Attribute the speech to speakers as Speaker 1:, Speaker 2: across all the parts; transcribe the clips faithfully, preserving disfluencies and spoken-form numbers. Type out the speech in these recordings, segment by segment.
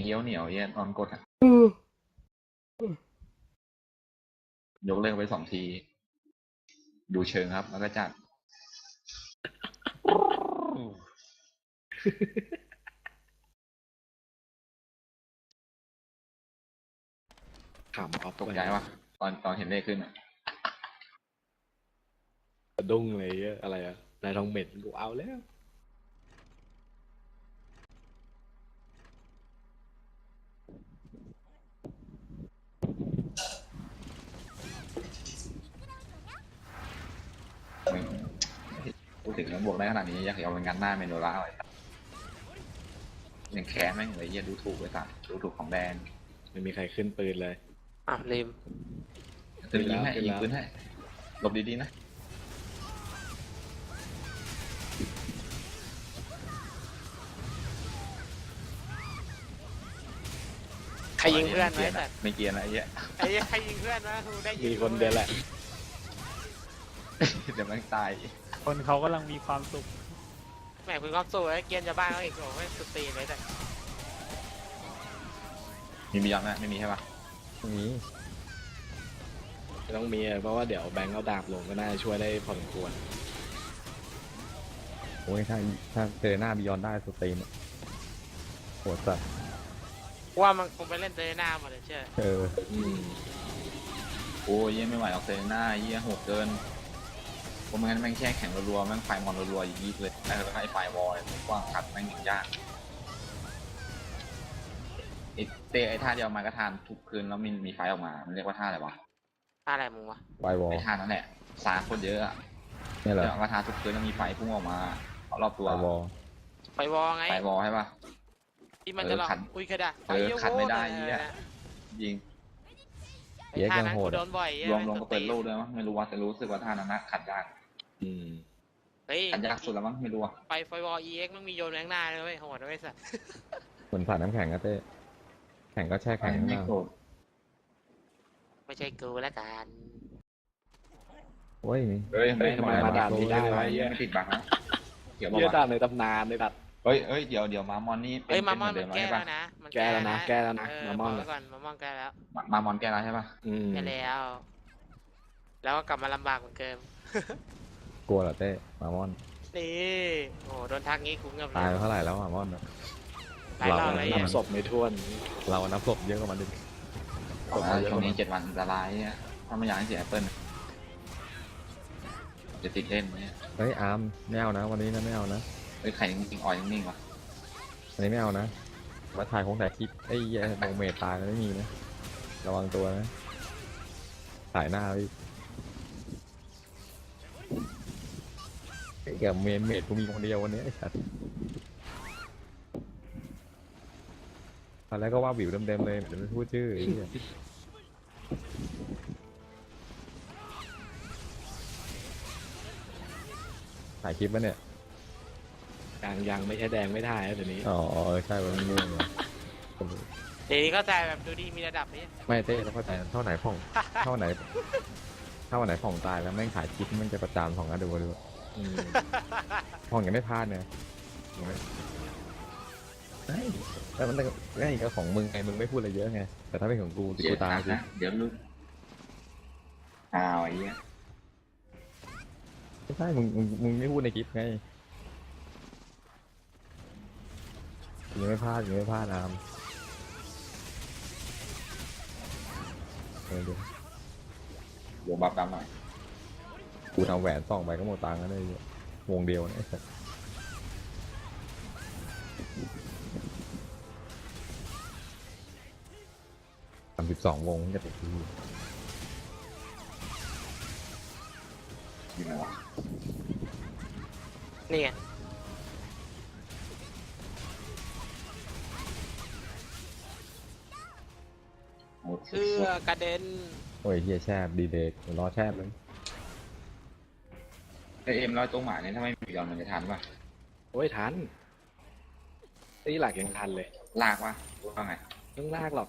Speaker 1: เยี่ยวเหนียวเยี่ยตอนกดอะ
Speaker 2: อืม
Speaker 1: ยกเลิกไปสองที ดูเชิงครับ แล้วก็จัด
Speaker 2: ขำออฟ
Speaker 1: ตกใจวะตอนตอนเห็นเลขขึ้นอะ
Speaker 2: สะดุ้งเลยอะอะไรอะนายทองเหม็นกูเอาแล้ว
Speaker 1: มึงพูดถึงแล้วบวกได้ขนาดนี้อยากเอาเป็นงานหน้าเมโนล่าเลยยังแค้นแม่งเลยเยี่ยดูถูกไปสัตว์ดูถูกของแดน
Speaker 2: ไม่มีใครขึ้นปืนเลย
Speaker 3: อ่ะลืม
Speaker 1: จะยิงให้
Speaker 2: ขึ้น
Speaker 1: ยิ
Speaker 2: แล้
Speaker 1: ง
Speaker 2: ว
Speaker 1: ปืนให้หลบดีๆนะ
Speaker 3: ใครยิงเพื่อนไหม
Speaker 1: ไม่เกียร์
Speaker 3: แต่
Speaker 1: นะไม่เกียร์นะไอ้เหี้ย
Speaker 3: ไอ้เหี้ยใครยิงเพื่อนวะกูได้ยิง
Speaker 2: มีคนเดียวแหละ
Speaker 1: เดี๋ยวมันตาย
Speaker 4: คนเขากำลังมีความสุข
Speaker 3: แหมคุณความสู้ไอ้เกียนจะบ้านเขาอีกโอ้ไม่สุดตีนเลยแต่
Speaker 1: มีมียอมไหมไม่มีใช่ปะ
Speaker 4: มี
Speaker 2: ไม่ต้องมีอะเพราะว่าเดี๋ยวแบงค์เอาดาบลงก็น่าจะช่วยได้พอสมควร
Speaker 4: โอ้ยถ้าถ้าเจอหน้าบิยอนได้สตรีมอะโหดสัส
Speaker 3: ว่ามันคงไปเล่นเตยหน้าหมดเลยเชื่อ
Speaker 4: เออ
Speaker 2: อืม
Speaker 1: โอ้ยเยี่ยไม่ไหวหรอกเซเลน่าเยี่ยโหดเกินผมงั้นแม่งแช่แข็งรัวๆแม่งไฟมอนรัวๆอย่างนี้เลยแล้วก็ให้ไฟวอลเลยกว้างขัดแม่งอย่างยากไอเตะไอท่าเดียวมากระทานทุกคืนแล้วมีมีไฟออกมา มันเรียกว่าท่าอะไรวะ
Speaker 3: อะไรมึงวะ
Speaker 4: ไววอล
Speaker 1: ไอท่านั่นแหละสาคนเยอะอะ
Speaker 4: นี่แหละ
Speaker 1: เดี๋ยวกระทานทุกคืนแล้วมีไฟพุ่งออกมาเอารอบตัว
Speaker 4: ไววอล
Speaker 3: ไฟวอลไง
Speaker 1: ไฟวอลใช่ปะ
Speaker 3: ที่มันจะหลอก
Speaker 1: เออขัด
Speaker 3: อุ้ยเคยได้
Speaker 1: เออขัดไม่ได้เหี้ย ยิง
Speaker 3: ไอ้ท่านั้นกูโดนบ่อย
Speaker 1: รวมรวมก็เปิดโลกด้วยมั้งไม่รู้ว่าแต่รู้สึกว่าท่านั้นนะขัดยาก
Speaker 2: อืม
Speaker 3: เฮ้ย
Speaker 1: ขัดยากสุดแล้วมั้งไม่รู้อะ
Speaker 3: ไฟไฟวอล อี เอ็กซ์มันมีโยนแรงหน้าเลยเว้ยโหดนะไม่สัตว์
Speaker 4: เหมือนสาดน้ำแข็งก็เต้แข็งก็แช่แข็ง
Speaker 1: ไม่
Speaker 4: นะ
Speaker 1: โกรธ
Speaker 3: ไม่ใช่กูแล้วกัน
Speaker 4: โอ้ย
Speaker 1: เฮ้ย
Speaker 2: เฮ้ยทำไมมาด่านนี้ได้วะ
Speaker 1: เหี้ยไม่ติดบังนะเกี่ยวบอก
Speaker 2: เยี่ย
Speaker 1: ว่า
Speaker 2: ดาบในตำนานเลยดัด
Speaker 1: เฮ้ยเฮ้ย เดี๋ยวเดี๋ยวมามอนนี่
Speaker 3: เฮ้ย
Speaker 1: ป็
Speaker 3: มามอน
Speaker 1: เป็
Speaker 3: มัน
Speaker 1: เห
Speaker 3: แก้
Speaker 1: ใช่
Speaker 3: แล้
Speaker 1: ปะ
Speaker 3: วนะมัน
Speaker 2: แก้แล้วนะแก้แล้วนะ
Speaker 3: เออ
Speaker 2: มามอน
Speaker 3: บกไว้ก่อนมามอนแก้แล้ว
Speaker 1: มามามอนแก้แล้วใช่ปะ
Speaker 2: อืม
Speaker 3: แก้แล้ว แล้วก็กลับมาลำบากเหมือนเดิม
Speaker 4: กลัวเหรอเต้หมามอน
Speaker 3: นี่โอ้โดนทักงี้กูเงียบเล
Speaker 4: ตาย
Speaker 3: ย
Speaker 4: ไปเท่าไหร่แล้วหมามอนอะ
Speaker 3: หลายรอบเลย
Speaker 4: เรา
Speaker 2: นับศพไม่ท้วน
Speaker 4: เรานับศพเยอะกว่ามันดิ
Speaker 1: บอกว่าช่วงนี้เจ็ดวันอันตรายเนี่ยถ้าไม่อยากให้เสียแอปเปิลจะติดเล่นเนี่ย
Speaker 4: เฮ้ยอาร์มไม่เอานะวันนี้นะไม่เอานะ
Speaker 1: เฮ้ยไข่จริงๆอ่อยนิ่งๆวะ
Speaker 4: วันนี้ไม่เอานะมาถ่ายคงถ่ายคลิปไอ้แย่โดเมตตายแล้วไม่มีนะระวังตัวนะถ่ายหน้าพี่ไอ้แกเมนเมดกูมีคนเดียววันนี้ไอ้สัสตอนแรกก็ว่าวิวเต็มๆเลยเดี๋ยวไม่พูดชื่อไอ้เหี้ยถ่ายคลิปปะเนี่ย
Speaker 2: ยังยังไม่ใช่แดงไม่ได้นะเดี๋ยวนี้
Speaker 4: อ๋อเออใช่วันนี้เหรอ
Speaker 3: เดี๋ยวนี้ก็ใจแบบดูดีมีระดับนี้
Speaker 4: ไม่เต้แล้วเข้าใจเท่าไหนผ่อง เท่าไหนเท่าไหนผ่องตายแล้วแม่งถ่ายคลิปแม่งจะประจานผ่องนะดูดู
Speaker 2: อืม
Speaker 4: ผ่องยังไม่พลาดเนี่ยยังไม่เฮ้ยแต่มันไอ้ก็ของมึงไงมึงไม่พูดอะไรเยอะไงแต่ถ้าเป็นของกูติ
Speaker 1: เดี๋
Speaker 4: กู
Speaker 1: ยว
Speaker 4: ตาย
Speaker 1: นะ
Speaker 4: สิ
Speaker 1: เดี๋ยวลุกอ้าวไอ้เหี้ย
Speaker 4: ไม่ใช่มึงมึงมึงไม่พูดในคลิปไงยังไม่พลาดยังไม่พลาดอามเออเดี๋ยว
Speaker 1: เดี๋ยวบัฟดำหน่อย
Speaker 4: กูทำแหวนส่องไปก็หมดตังค์แล้วได้วงเดียวนะไอ้สัสสามสิบสองวงจะติดที่
Speaker 1: อยู่ไหนวะ
Speaker 3: นี่ไง
Speaker 1: โอ้โห
Speaker 3: เสื้อกระเด็น
Speaker 4: โอ้ยเฮียแชบดีเด็กรอแชบเลย
Speaker 1: ไอเอ็มร้อยตัวหมาเนี่ยถ้าไม่มียอนมันจะทันปะ
Speaker 2: โอ้ยทันนี่หลักยังทันเลย
Speaker 1: ลากปะว่าไง
Speaker 2: ต้องลากหรอก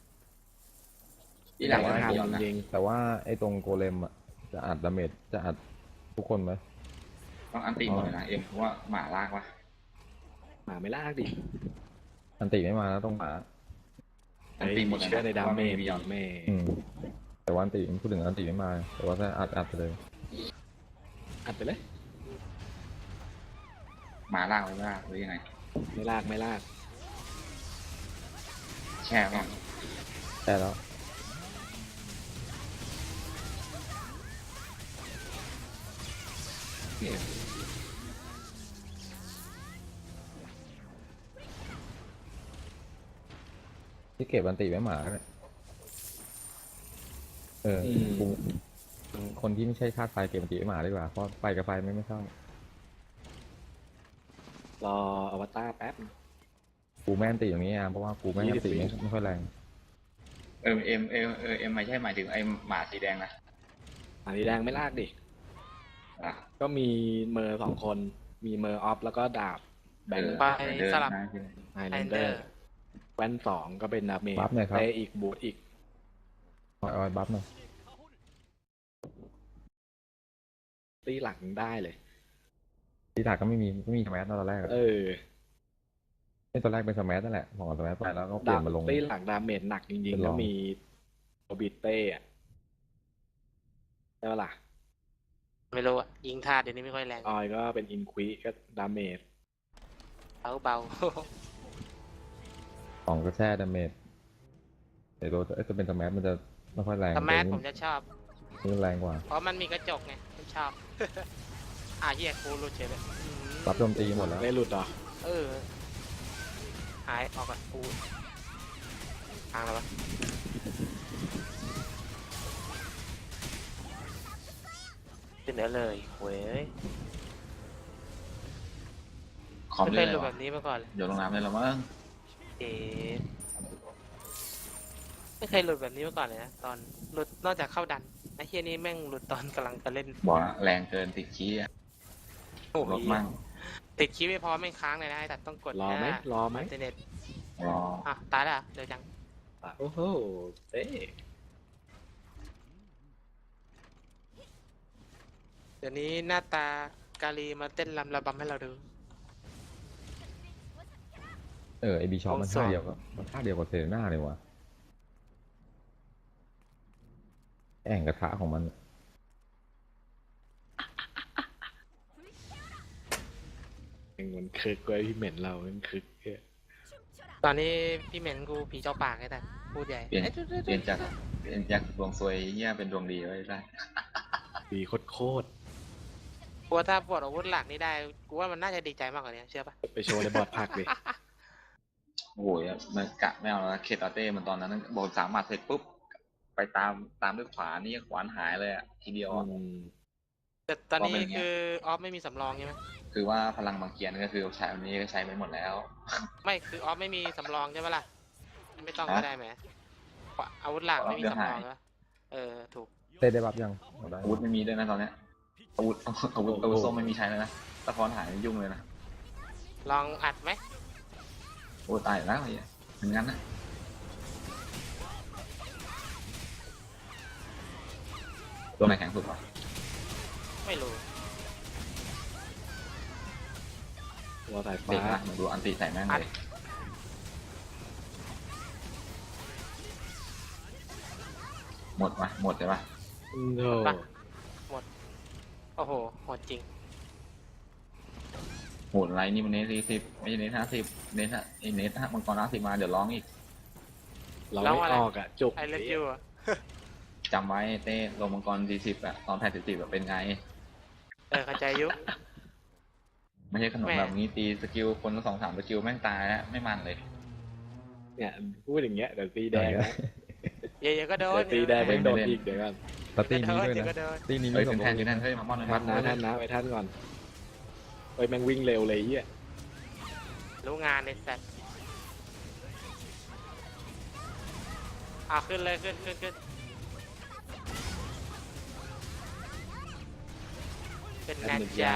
Speaker 1: ที่หลัง
Speaker 2: ยั
Speaker 1: ไม่
Speaker 2: ทัน
Speaker 1: มียอนนะ
Speaker 2: จริง
Speaker 4: แต่ว่าไอ้ตรงโกเลมอ่ะจะอัดดาเมจจะอัดทุกคนไหม
Speaker 1: ต้องอันตีหมดเลยนะเอ็มเพราะว่าหมาลากปะ
Speaker 2: หมาไม่ลากดิ
Speaker 4: อันติไม่มาแล้วต้องหมา
Speaker 1: อัน
Speaker 2: เฮ้ย
Speaker 1: ตีหมด
Speaker 2: เชื่อในดาเมจ
Speaker 1: บิยอน
Speaker 2: แม่
Speaker 4: อืมแต่ว่าอันติพูดถึงอันติไม่มา แต่ว่าถ้าอัดอัดไปเลย
Speaker 2: อัดไปเลย
Speaker 1: หมาล่างไว้ล่างหรือยังไง
Speaker 2: ไม่ลากไม่ลาก
Speaker 1: แช่ก่อน
Speaker 4: ได้แล้ว ที่เก็บอันติไว้หมาเนี่ยเออกูคนที่ไม่ใช่ธาตุไฟเก็บอันติไว้หมาดีกว่า เพราะไฟกับไฟไม่ไม่เข้าร
Speaker 2: ออวตารแป๊บ
Speaker 4: กูแม่นอันติอย่างนี้อ่ะเพราะว่ากูแม่นอันติไม่ไม่ค่อยแรง
Speaker 1: เออเอ็มเอ็มเออเอ็มไม่ใช่หมายถึงไอ้หมาสีแดงนะ
Speaker 2: อันนี้แดงไม่ลากดิ
Speaker 1: อ่ะ
Speaker 2: ก็มีเมอร์สองคน มีเมอร์ออฟแล้วก็ดาบแบง
Speaker 1: เออ
Speaker 2: ค์
Speaker 3: ไป
Speaker 1: เดิน
Speaker 3: สลับ
Speaker 1: นะ
Speaker 2: ไฮ
Speaker 3: ไฮ
Speaker 2: แลน
Speaker 3: เด
Speaker 2: เด
Speaker 3: อ
Speaker 2: อ
Speaker 3: ร์
Speaker 2: ร์แว่นสองก็เป็นดาเมจ
Speaker 4: บัฟหน่อยครับ
Speaker 2: เตะอีกบูทอีก
Speaker 4: ออยออยบัฟหน่อย
Speaker 2: ตีหลังได้เลย
Speaker 4: ที่ถากก็ไม่มีไม่มีสแมัตอนแรกอะ
Speaker 2: เออ
Speaker 4: ไม่ตอนแรกเป็นสแมัตนั่นแหละพอสแมัตไปแล้วก็เปลี่
Speaker 2: ดาย บ
Speaker 4: นมาลง
Speaker 2: ตีหลังดาเมจหนักจริง
Speaker 4: เป็น
Speaker 2: ๆ
Speaker 4: ร
Speaker 2: แล้ว
Speaker 4: อง
Speaker 2: มีโอบิเต้อะใช่ปะล่ะ
Speaker 3: ไม่รู้อะยิงท่าเดี๋ยวนี้ไม่ค่อยแรง
Speaker 2: ออยก็เป็นอินควิก็ดาเมจ
Speaker 3: เบาเบา
Speaker 4: สองก็แช่ดาเมจแต่ตัวจะเป็นสแมัตมันจะไม่ค่อยแรง
Speaker 3: สมาร์ท
Speaker 4: ตัว
Speaker 3: ผ
Speaker 4: นี้
Speaker 3: มจะชอบ
Speaker 4: นี่แรงกว่า
Speaker 3: เพราะมันมีกระจกไงผมชอบ อ่ะเฮียกูรู้เฉยเลยอืม
Speaker 4: รับโจมตีหมดแล้ว
Speaker 2: ไม่หลุดเหรอ
Speaker 3: เออ หายออกก่อนกูทางแล้ววะเป็นเนื้อเลยเว้ย
Speaker 1: คอม
Speaker 3: ไม่
Speaker 1: เล
Speaker 3: เค
Speaker 1: ย
Speaker 3: ย
Speaker 1: เห
Speaker 3: ห
Speaker 1: ร
Speaker 3: ลุด
Speaker 1: อ
Speaker 3: แบ
Speaker 1: วะ
Speaker 3: บนี้มาก่อนเลย
Speaker 1: เดี๋ยวลงน้ำเลยเหรอมั้ง
Speaker 3: เอ๊ะไม่เคยหลุดแบบนี้มาก่อนเลยนะตอนหลุดนอกจากเข้าดันไอ้เฮียนี่แม่งหลุดตอนกำลังจะเล่น
Speaker 1: บอกนะแรงเกินติดขี้อะ
Speaker 3: โอ้โห
Speaker 1: ลดมั่ง
Speaker 3: ติดคีย์ไม่พอไม่ค้างเลยนะไอ้ตัดต้องกด
Speaker 2: รอไหม
Speaker 3: น้าร
Speaker 2: อไหม
Speaker 3: อินเทอร์เน็ต
Speaker 1: รอ
Speaker 3: อ่ะตายแล้วเหรอเดี๋ยวจัง
Speaker 2: อ่ะโอ้โหเต้
Speaker 3: เดี๋ยวนี้หน้าตากาลีมาเต้นรำระบำให้เราดู
Speaker 4: เออไอบีชอปมัน
Speaker 3: โอ้สอ
Speaker 4: ท่าง เดียวกับมันท่าเดียวกับเซเรน่าเลยว่ะแอ่งกระทะของมัน
Speaker 2: ยังมันคึกไว้พี่เหม็นเรามันคึกเนี่ย
Speaker 3: ตอนนี้พี่เหม็นกูผีเจ้าปากไอ้แต่พูดใหญ่
Speaker 1: เปลี่ยน
Speaker 3: เอ้ยจุ๊ดจุ๊ด
Speaker 1: เปลี่ยนจากเปลี่ยนจากดวงซวยเงี้ยเป็นดวงดีไว้ได้
Speaker 2: ดีโคตรโคตร
Speaker 3: กูว่าถ้าปลดอาวุธหลักนี้ได้กูว่ามันน่าจะดีใจมากกว่านี้เชื่อปะ
Speaker 2: ไปโชว์ในบอร์ดพักดิ
Speaker 1: โอ้โหมันกะไม่เอาแล้วเคตาเต้มันตอนนั้นบอกสามหมัดเสร็จปุ๊บไปตามตามด้วยขวานี่ขวานหายเลยอ่ะทีเดียวอะ
Speaker 2: อืม
Speaker 3: แต่ตอนนี้
Speaker 1: ว่าเป็นอย่างเงี้ย
Speaker 3: คือออฟไม่มีสำรองใช่ไหม
Speaker 1: คือว่าพลังบางเกียนก็คือใช้อันนี้ก็ใช้ไปหมดแล้ว
Speaker 3: ไม่คือออฟไม่มีสำรองใช่ปะล่ะไม่ต้อง
Speaker 1: ฮะ
Speaker 3: ก็ได้ไหมอาวุธหลักไม่มี
Speaker 1: เดี๋ยว
Speaker 3: สำรอง
Speaker 1: หาย
Speaker 3: ใช่ปะเออถูก
Speaker 4: เต้ได้บัฟยังเอาได้
Speaker 1: อาวุธไม่มีด้วยนะตอนเนี้ยอาวุธอาวุธอาวุธส้มไม่มีใช้เลยนะตะพอนหายยุ่งเลยนะ
Speaker 3: ลองอัดไหม
Speaker 1: โอ้ตายแล้วไอ้เหี้ยเหมือนงั้นนะตัวไหนแข็งสุดวะ
Speaker 3: ไม่รู้
Speaker 2: ตัวสาย
Speaker 1: เด็
Speaker 2: ฟ้าก
Speaker 1: นะมึงดูอันตีใส่แม่ง
Speaker 3: อัด
Speaker 1: เลยหมดปะหมดใช่ปะ
Speaker 2: โอ้โห
Speaker 3: ปะหมดโอ้โหหมดจริง
Speaker 1: โหดไรนี่มันเนสสี่สิบไม่ใช่เนสห้าสิบเนสไอ้เนสมังกรห้าสิบมาเดี๋ยวร้องอีก
Speaker 2: เรา
Speaker 3: แล้ว
Speaker 2: ไม่
Speaker 3: อะไร
Speaker 2: ออกอ่ะ จุก
Speaker 3: ไอเลิฟยูอะ
Speaker 1: จำไว้เต้ลงมังกรสี่สิบอะตอนแพทสี่สิบเป็นไง
Speaker 3: เออเข้าใจยุ
Speaker 1: ไม่ใช่ขนม
Speaker 3: แม่
Speaker 1: แบบนี้ตีสกิลคนละสองสามสกิลแม่งตายแล้วไม่มันเลย
Speaker 2: เนี่ยพูดอย่างเงี้ยเดี๋ยวตีแดงนะ
Speaker 3: เดี๋ยวๆก็โดน
Speaker 2: เดี๋ยวตีแดง
Speaker 1: ไม่
Speaker 2: ไม่
Speaker 1: โด
Speaker 2: โด
Speaker 1: น
Speaker 2: นอีกเดี๋ยวกัน
Speaker 4: แล้วตี
Speaker 3: เดี๋ยว
Speaker 4: นี้
Speaker 3: ก็
Speaker 4: ด้วย
Speaker 3: โดนเดี๋ยวก็
Speaker 4: นะ
Speaker 3: โดน
Speaker 4: ตีนี้
Speaker 1: เฮ้
Speaker 4: มี
Speaker 1: ย
Speaker 4: ส
Speaker 1: เป็
Speaker 4: ม
Speaker 1: น
Speaker 4: ร
Speaker 1: แทน
Speaker 4: ง
Speaker 1: อยู่นั่นเฮ้ยมาม่อน
Speaker 2: ท่า
Speaker 1: มัน น
Speaker 2: นะท่านนะไปท่านก่อนเฮ้ยแม่งวิ่งเร็วเลยไอ้เหี้ย
Speaker 3: รู้งานในสัตว์เอาขึ้นเลยขึ้นขึ้นขึ้นเป็นไงจ๊ะ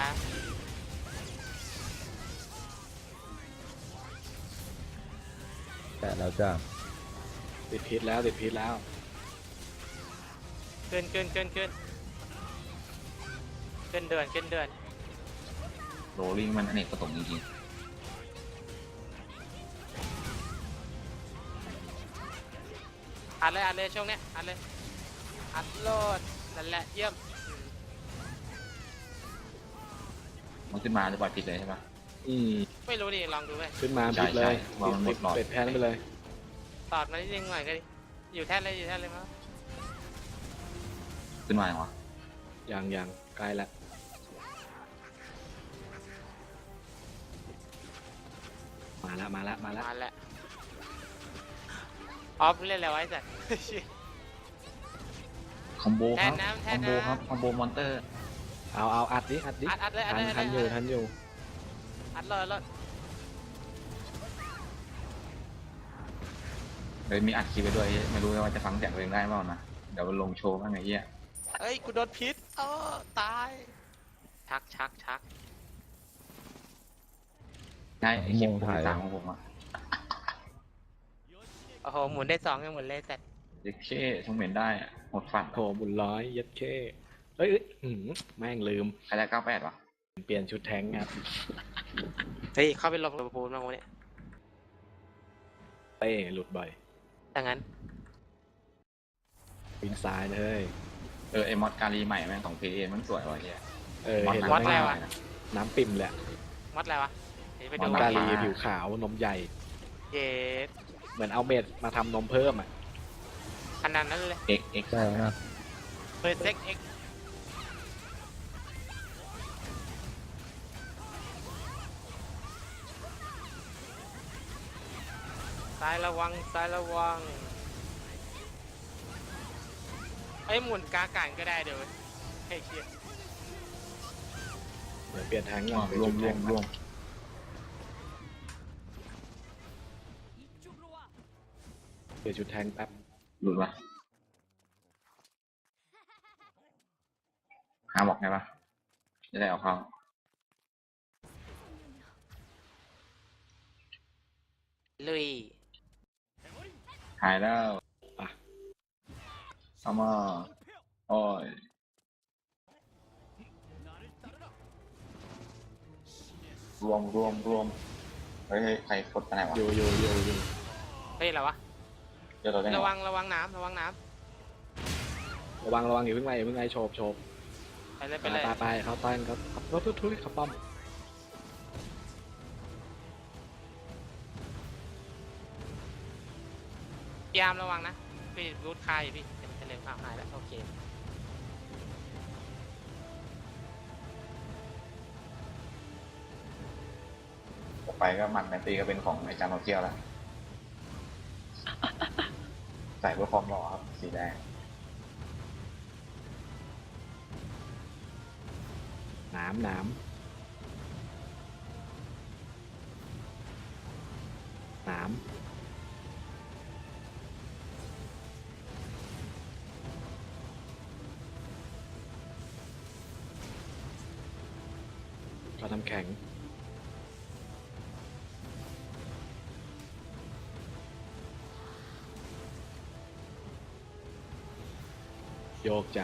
Speaker 4: แต่แล้วจ้า
Speaker 2: ติดพิษแล้วติดพิษแล้ว
Speaker 3: ขึ้นขึ้นขึ้นขึ้นขึ้นเดือนขึ้นเดือน
Speaker 1: โรลลิ่งมันอเนกประสงค์จริงๆ
Speaker 3: ดเลยอัดเลยช่วงเนี้ยอัดเลยอัดโหลดนั่นแหละเยี่ยมอืม
Speaker 1: มันขึ้นมาจะปล่อยผิดเลยใช่ปะ
Speaker 2: อืม
Speaker 3: ไม่รู้ดิลองดูไป
Speaker 2: ขึ้นมา
Speaker 1: ใช่
Speaker 2: ผิดเลย
Speaker 1: ใช่วางมันหมดหลอด
Speaker 2: เป็ดแทนไปเลย
Speaker 3: ตอดมานิดนึงหน่อยก็ดิอยู่แท่นเลยอยู่แท่นเลยมั้ง
Speaker 1: ขึ้นมาอย่างวะ
Speaker 2: อย่างอย่างใกล้ละมาละมาละมาละ
Speaker 3: มาแล้วออฟเล่นอะไรไว้สัตว์
Speaker 1: คอมโบครับ
Speaker 3: แทนน้ำแท
Speaker 1: คอน มโบ
Speaker 3: น้ำ
Speaker 1: ครับคอมโบมอนเตอร์
Speaker 2: เอาเอาอัดดิอัดดิ
Speaker 3: อัดอัดเลยอัด
Speaker 2: ทัน
Speaker 3: เลย
Speaker 2: ทันอยู่ทันอยู่
Speaker 3: อัดเลยเลย
Speaker 1: เลยมีอัดคลิปไปด้วยไม่รู้ว่าจะฟังเสียงตัวเองได้เปล่านะเดี๋ยวมันลงโชว์บ้างไงเหี้ย
Speaker 3: เอ้ยกูโดนพิษเออตายชักชักชัก
Speaker 1: ใช่ไอคลิปผมสามของผมอะ
Speaker 3: โอ้โหหมุนได้สองยังหมุนเลยแต่
Speaker 1: เด็กเช่ชงเหม็นได้อะหมดฟัน
Speaker 2: โถบุญร้อยยัดเข้เอ้ยเอ้ยอื้อหือแม่งลืม
Speaker 1: ใครได้เก้าแปดวะ
Speaker 2: เปลี่ยนชุดแทงครับ
Speaker 3: เฮ้ยเข้าไปหลบกับปูนมางวะเนี่ย
Speaker 2: เต้หลุดบ่อย
Speaker 3: ดังนั้น
Speaker 2: วินซ้ายเลย
Speaker 1: เออไอมอดการีใหม่แม่งของพีเอมันสวยว่ะเฮีย
Speaker 2: เออ
Speaker 1: มอด
Speaker 2: เห็น
Speaker 1: หนั
Speaker 2: แล้ว
Speaker 1: ง
Speaker 2: แม่ง
Speaker 1: มากเลยนะ
Speaker 2: น้ำปิ่มเลยอะ
Speaker 3: มัดอะไรวะเดี๋ยวไป
Speaker 2: ม
Speaker 3: ดู
Speaker 2: อน
Speaker 1: ม
Speaker 2: กา
Speaker 1: ด
Speaker 2: ลี
Speaker 1: ฟ้า
Speaker 2: ผิวขาวนมใหญ่
Speaker 3: เย็ด
Speaker 2: เหมือนเอาเม็ดมาทำนมเพิ่มอ่ะ
Speaker 3: ขนาดนั้นเลย
Speaker 1: เอ็กเอ็ก
Speaker 4: ใช่นะ
Speaker 3: เปิดเซ็กเอ็กซ้ายระวังซ้ายระวังไอ้ยหมุนกากันก็ได้เดี๋ยวเฮ้ยเชีย
Speaker 2: เดี๋ยวเปลี่ยนแทงก่อน
Speaker 1: รวมรวมรวม
Speaker 2: เปลี่ยนชุดแทงแป๊บ
Speaker 1: หลุดวะหาบอกไงปะจะได้เอาเข้า
Speaker 3: ลุย
Speaker 1: หายแล้ว
Speaker 2: อ่ะ
Speaker 1: เอามาโอ้ยรวมรวมรวมเฮ้ยเฮ้ยใครกดไปไหนวะ
Speaker 2: โยโยโยโย
Speaker 3: เฮ้ยอะไรวะ
Speaker 1: เดี๋ยวเราได้ไง
Speaker 3: ระวั
Speaker 1: วะ
Speaker 3: งระวังน้ำระวังน้
Speaker 2: ระวังระวังอย่าเพิ่งไล่อย่าเพิ่งไล่โฉบโฉบ
Speaker 3: ำไปเลย
Speaker 2: ไป
Speaker 3: ไปเลย
Speaker 2: ไปไปเขาต้อนเขาเขาทุบทุบเขาป้อม
Speaker 3: พยายามระวังนะพี่รูดคายอยู่พี่เต็มเต็มอ้าวหายแล้วโอเค
Speaker 1: ต่อไปก็หมันแมนตีก็เป็นของไอจานโนเกียวแล้ว ใส่เพื่อความหล่อครับสีแดง
Speaker 2: หนามหนามหนามเราทำแข็งโยกจ้ะ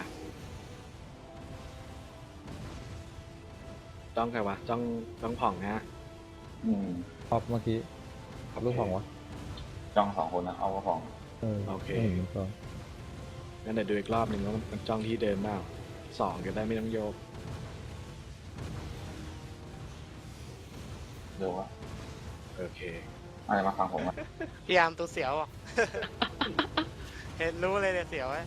Speaker 2: จ้องใครวะจ้องจ้องผ่องนะ
Speaker 1: อืม
Speaker 4: พอบเมื่อกี้พอบลูกของวะ
Speaker 1: จ้องสองคนนะเอาก็ของ
Speaker 4: เออ
Speaker 2: โอเค
Speaker 4: ไม่เห็นก็
Speaker 2: งั้นเดี๋ยวดูอีกรอบหนึ่งว่ามันจ้องที่เดิมเปล่าสองจะได้ไม่ต้องโยก
Speaker 1: เดี๋ยววะ
Speaker 2: โอเค
Speaker 1: อะไรมาฟังผมอ่ะ
Speaker 3: พยายามตัวเสียวอ่ะ เห็นรู้เลยเนี่ยเสียวไอ้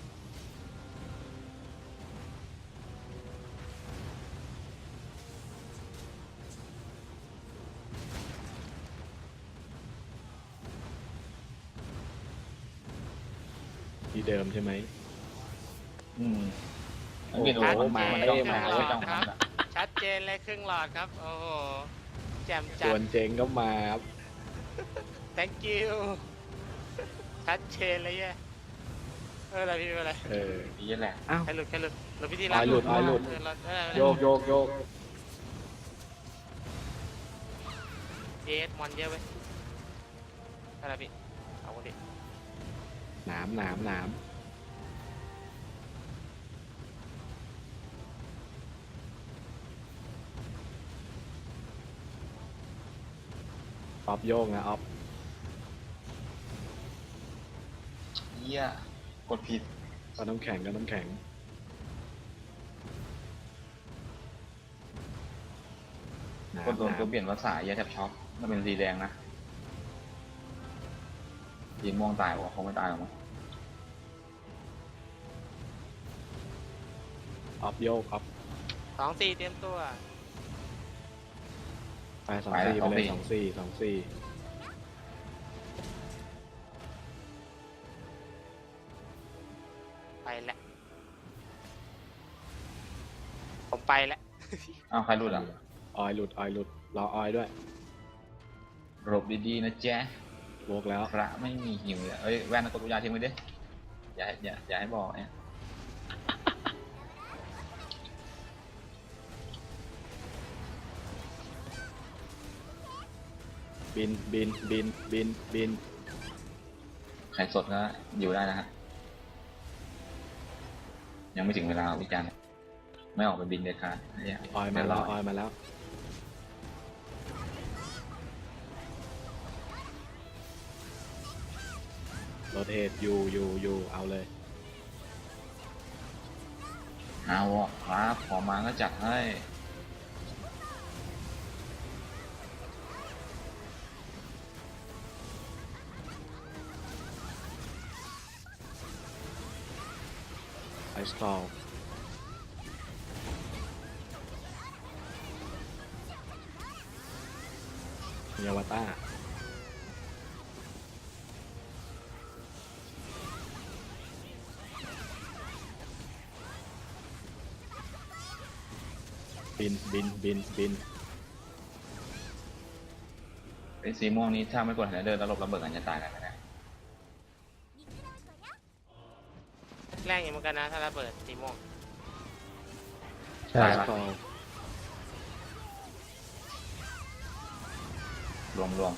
Speaker 2: ที่เดิมใช่ไหม
Speaker 1: อืม
Speaker 2: โอ้โห
Speaker 1: ไม่รู้ว่า
Speaker 2: มา
Speaker 1: มัน
Speaker 2: เอ้
Speaker 1: จ้อง
Speaker 2: ย
Speaker 1: มา
Speaker 2: มา
Speaker 1: ไม่จ้องมันอะ
Speaker 3: ชัดเจนเลยครึ่งหลอดครับ โอ้โหแจ่มจั
Speaker 2: ส่ว
Speaker 3: ด
Speaker 2: นเจงก็มาครับ
Speaker 3: thank you ชัดเจนเลยแย่เอออะไรพี่เป็นอะไร
Speaker 2: เออ
Speaker 1: นี่แหละ
Speaker 2: อ้าว
Speaker 3: ใครหลุดใครหลุดหลุดพี่ที่
Speaker 2: อ้อยหลุดอ้อยหลุด
Speaker 3: เออหลุดเออ
Speaker 2: โยกโยกโยก
Speaker 3: เอสมอนเยอะเว้ยอะไรพี่เอาดิ
Speaker 2: หนามหนามหนามออฟโยกนะออฟ
Speaker 1: อเหี้ยกดผิด
Speaker 2: ก็น้ำแข็งก็น้ำแข็ง
Speaker 1: กดโดนตัวเปลี่ยนภาษาเหี้ยแทบช็อกมันเป็นสีแดงนะสีม่วงตายวะคงไม่ตายหรอกมั้ง
Speaker 2: ออฟโยกออฟ
Speaker 3: สองสี่เตรียมตัว
Speaker 2: ไปสองสี่ไปเลยสองสี่สองสี่
Speaker 3: ไปแล้วผมไปแล้ว
Speaker 1: อ้าวใครรุดอ่ะ
Speaker 2: ออยหลุดออยหลุดรอออยด้วย
Speaker 1: หลบดีๆนะแจ๊ะ
Speaker 2: โวกแล้ว
Speaker 1: พระไม่มีหิวเลยเอ้ยแว่นกดวิญญาณทิ้งไว้ดิอย่าอย่าอย่าให้บอกเนี่ย
Speaker 2: บินบินบินบินบิน
Speaker 1: ใครสดก็อยู่ได้นะฮะยังไม่ถึงเวลาวิจารณ์ไม่ออกไปบินเลยค่ะเนี่ย
Speaker 2: ออยมาแล้วออยมาแล้วโรเทตอยู่อยู่อยู่เอาเลย
Speaker 1: เอาวะครับขอมาก็จัดให้
Speaker 2: ไอสตอลมีอวตารบินบินบินบิน
Speaker 1: ไอ้สีม่วงนี้ถ้าไม่กดหันเดินแล้วหลบระเบิดกันจะตายกันไหมเนี่ย
Speaker 3: แรงอยู่เหมือนกันนะถ้าระเบิดสีม่วง
Speaker 4: ใช่
Speaker 2: ไอสตอล
Speaker 1: รวมรวม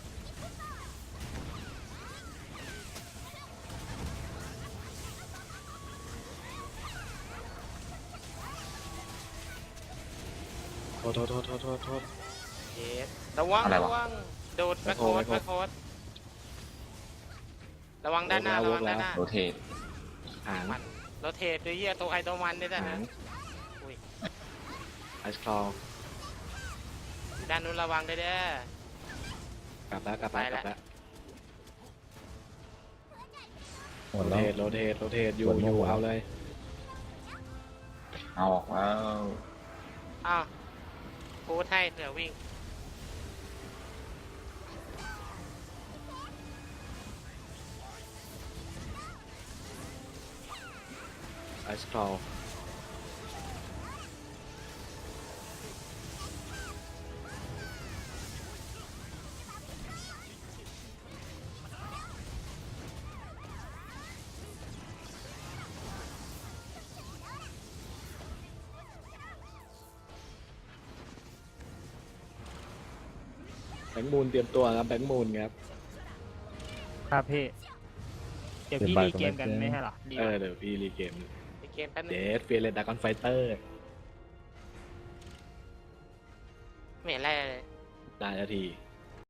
Speaker 2: โทษโทษโทษโทษโทษโทษ
Speaker 3: เยสระวังระวังโดดแบ็คโค
Speaker 2: แบ็
Speaker 3: ด
Speaker 2: คโฮ
Speaker 3: แบ็คโคดระวังด้านหน้าระวังด้านหน้า
Speaker 1: โรเทต
Speaker 2: หาง
Speaker 3: มันโรเทตด้วยเหี้ยตัวไอตัวมันด้วยนะ
Speaker 2: หาง
Speaker 3: อุ้ย
Speaker 2: ไอสตอล
Speaker 3: ด้านนู้นระวังด้วยเด้อก
Speaker 2: ลับแล้วกลับแล้ว
Speaker 3: ไป
Speaker 2: ก
Speaker 3: แล้
Speaker 2: ลั
Speaker 3: ว
Speaker 2: บแล้ว
Speaker 4: หมด
Speaker 2: โร
Speaker 4: แล้ว
Speaker 2: เทตโรเทตโรเทตอยู่
Speaker 4: หมด
Speaker 2: อยู่
Speaker 4: หมด
Speaker 2: เอาเลย
Speaker 1: เอาออกแล้ว
Speaker 3: อ้าวพูดให้เผื่อวิ่ง
Speaker 2: ไอสตอลแบงค์มูนเตรียมตัวครับแบงค์มูนครับ
Speaker 5: ครับพี่ เดี๋ยวพี่
Speaker 4: เดี๋ยว
Speaker 5: รี
Speaker 4: บ่าย
Speaker 5: เกมกัน
Speaker 4: ก็ไม่
Speaker 5: ไม่
Speaker 4: เจอ
Speaker 5: ใช่เหรอรี
Speaker 2: เออเดี๋ยวพี่รีเกม
Speaker 3: ในเกมแป๊บนึ
Speaker 2: เด
Speaker 3: ง
Speaker 2: สเฟียร์เรดดากอนไฟเตอร์
Speaker 3: ไม่เห็นอะไรเลย
Speaker 2: ได้นาที